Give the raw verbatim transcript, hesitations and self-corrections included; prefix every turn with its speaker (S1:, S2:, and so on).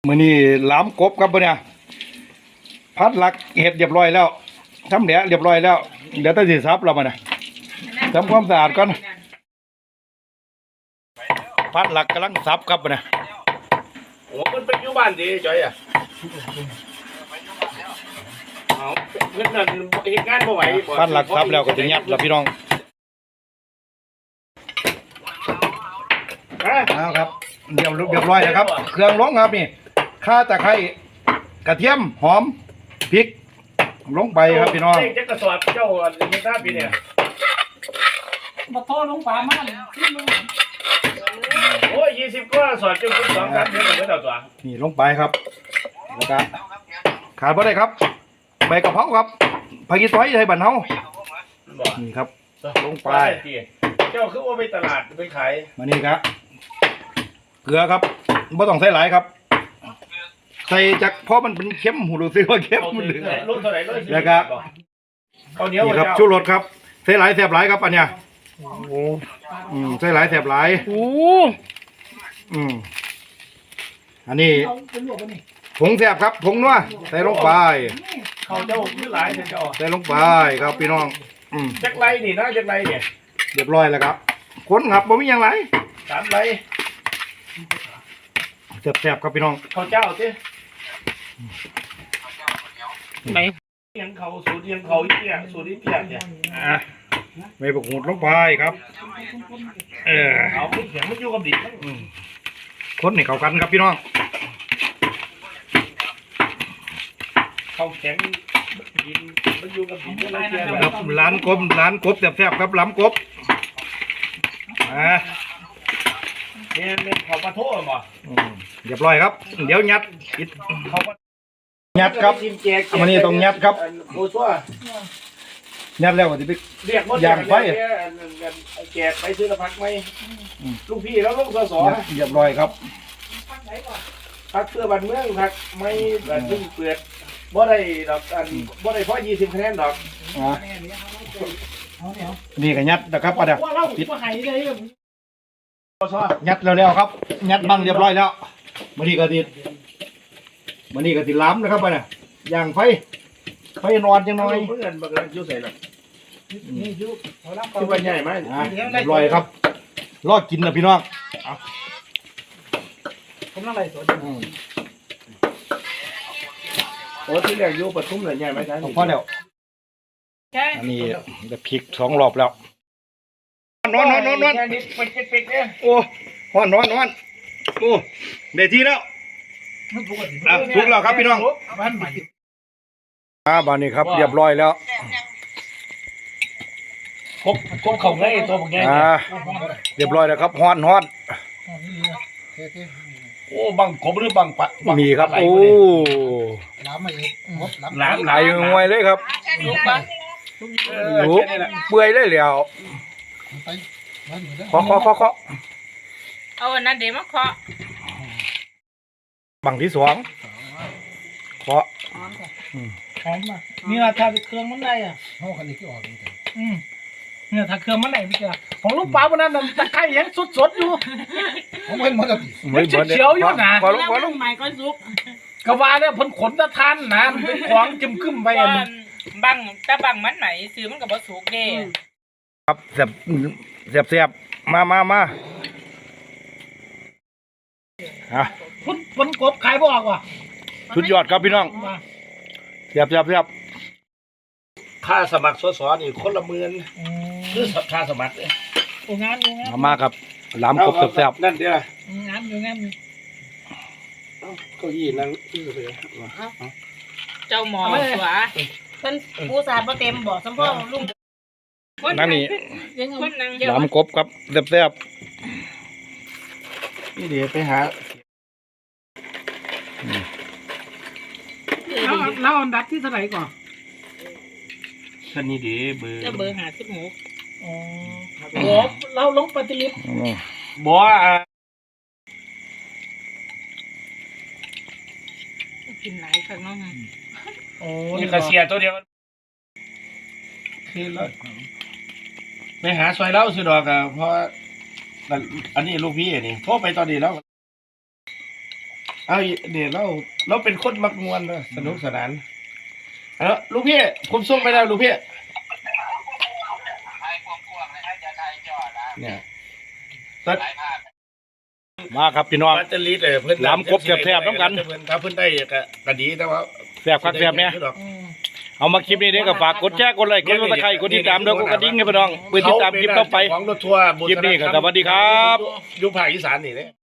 S1: มื้อนี้ล้ำกบครับเนี่ยพัดหลักเห็ดเรียบร้อยแล้วทำแหละเรียบร้อยแล้วเดี๋ยวต้องสิซับเรามาเนี่ยทำความสะอาดก่อนพัดหลักกำลังซับครับเนี่ย
S2: โอ้มันเป็นอยู่บ้านดีจ้อยอ่ะเอาเงินนั่นเหตุงานบ่ไหว
S1: พัดหลักซับแล้วก็จะยัดแล้วพี่น้องเอาครับเรียบเรียบร้อยแล้วครับเครื่องลงครับนี่ข่าตะไคร้กระเทียมหอมพริกลงไปครับพี่น้อง
S2: เจ้ากระสอบเจ้าอันนี้ทราบพี่เนี่ย
S3: มาโทษลงป่ามาเลย
S2: โอ้ยยี่สิบก็สอดจุดสองครับเดี๋ยวเดี๋ยวตัว
S1: นี่ลงไปครับแล้วก็ขาดบ่ได้ครับใบกะเพราครับผักชีต้อยไทยบ้านเฮานี่ครับลงไป
S2: เจ้าคือว่าไปตลาดไปขาย
S1: มานี่ครับเกลือครับไม่ต้องใส่หลายครับใส่จากเพราะมันเป็นเค็มหูรู้สึกว่าเค็มมันเหลือแล้วก็นี่ครับชูรสครับใส่หลายแสบหลายครับอันเนี้ยอืมใส่หลายแสบหลาย
S3: โอ้
S1: อืมอันนี้ผงแสบครับผงนัวใส่ลงไป
S2: เขาเจ้าคือหลายเจ้า
S1: ใส่ลงไปครับพี่น้องอืม
S2: จักไรนี่นะจักไรเนี่ย
S1: เรียบร้อยแล้วครับคนครับบ่มีอย่างไร
S2: สามไร
S1: แสบๆครับพี่น้อง
S2: เขาเจ้าสิไหนยังเขาสูตรยังเขาอีเตี้ยสูตรอีเตี้ยเนี่ย
S1: อ่ะไม่บกหูดลงไปครับเออ
S2: เอาเสียงมันอยู่กับดิบ
S1: คนให้เข้ากันครับพี่น้อง
S2: เขาแข็งดินมันอยู่กับดินอะไรเนี่ย
S1: ครับร้านกบร้านกบแซ่บๆครับล้ำกบอ่า
S2: เนี่ยเนี่ยเขาปลาโถ่บ่
S1: เรียบร้อยครับเดี๋ยวยัดอิด
S2: เขา
S1: ยัดครับมันนี่ต้องยัดครับ
S2: โอ้ชัว
S1: ยัดแล้วก็จะไป
S2: เรียก
S1: ย่างไฟ
S2: แจกไปซื้อละพักไหมลูกพี่แล้วลูกสอ
S1: เรียบร้อยครับ
S2: พักเพื่อบันเมืองพักไม่แบบพึ่งเปลือกบ่ได้ดอกอันบ่ได้เพราะยี่สิบคะแนนดอก
S1: นี่ก็ยัดนะครับป้าเดี๋ยวปิดยัดแล้วๆครับยัดบังเรียบร้อยแล้วมันนี่ก็ติดมันนี่ก็ติดล้ำนะครับป้าเนี่ยย่างไฟไฟนอนจังหน่อย
S2: เพื่อนบังเอิญยุ่งใส่หรอกนี่ยุ่งที่ว่าใหญ่ไหม
S1: เรียบร้อยครับรอดกินนะพี่น้อง
S2: ผมนั่งไรสดโอ้ที่เรียกยุ่งปทุมเลยใหญ่ไหมจ๊ะ
S1: พ่อเดี๋ยวอันนี้จะพลิกสองรอบแล้วนอนนอนนอนนอนโอ้นอนนอนนอนโอ้เดี๋ยวทีแล้วถูกแล้วครับพี่น้องอ่าบ้านนี้ครับเรียบร้อยแล้ว
S2: ครบครบเข่าไงตัวผมไง
S1: อ่าเรียบร้อยแล้วครับฮ้อนฮ้อน
S2: โอ้บังกบหรือบังปะ
S1: มีครับโอ้
S3: ล้ำมาอีก
S1: ล้ำไหลงวยเลยครับลูกเปื่อยเลยแล้วเคาะเคาะเคาะเคาะ
S4: เอาอันนั้นเดี๋ยวมาเคาะ
S1: บังที่สองเคาะ
S3: หอมอ่ะนี่นะถ้าเครื่องมันได้อ่ะห้องคันนี้ที่ออกนี่อืมเนี่ยถ้าเครื่องมันได้ไม่เจอของลูกปลาวันนั้นตะไคร้ยังสดๆอยู่ผมเห็นมันจะเขียวอยู่นะ
S4: พอลูกพอลูกใหม่ก็ซุก
S3: กระวาเนี่ยผลขนตะทานนะขวางจิ้มขึ้นไปอัน
S4: บังแต่บังมันไหนซื้อมันกับบะสุกเด้
S1: ครับเสียบเสียบเสียบมามามาฮะ
S3: ผลผลกบขายบ่ออกว่ะ
S1: ชุดยอดครับพี่น้องเสียบเสียบเสียบ
S2: ค่าสมัครสสนี่คนละหมื่นคือค่าสมัครเลย
S3: โอ้งานงาน
S1: มาครับล้ำกบเสียบเสียบ
S2: นั่นเดียว
S3: งานอยู่งาน
S2: เก้าอี้นั่งที่ไป
S4: เจ้าหมอสวะเพิ่นผู้สาดบ่เต็มบ่สมพ่อลุง
S1: นั่นนี่ล้ำกบครับเสียบเสียบ
S2: นี่เดี๋ยวไปหา
S3: แล้วแล้วอันดับที่เท่าไหร่ก่อน
S2: ท่านนี้เดี๋ยวเบอร์
S4: จะเบอร์หาสิบหก
S3: อ๋อโอ้เราลงปฏิริษี
S2: บัว
S4: กินหลายครั้งน้อง
S2: โอ้นี่กระเสียตัวเดียวคือแล้วไปหาซอยเล้าสุดอกอะเพราะอันนี้ลูกพี่นี่โทรไปตอนนี้แล้วเอาเนี่ยเราเราเป็นคนมักมวนเนอะสนุกสนานเอาลูกพี่ผมส่งไปแล้วลูกพี่เนี่ยตัด
S1: มาครับพี่น้อง
S2: ปัตตลีดเออเพิ่น
S1: ล้ำครบแซ่บๆน้ำกัน
S2: เพิ่นถ้าเพิ่นได้ก็ก็ดีแต่ว่า
S1: แซ่บคักแซ่บเนี่ยเอามาคลิปนี้เด้อก็ฝากกดแชร์กดไลค์กดซับสไครต์กดติดตามด้วยกดกระดิ่งให้พี่น้องเพื่อติดตามคลิปต่อไป
S2: ของรถทัวร์
S1: คลิปนี้ก็สวัสดีครับ
S2: อยู่ภาคอีสานนี่เด้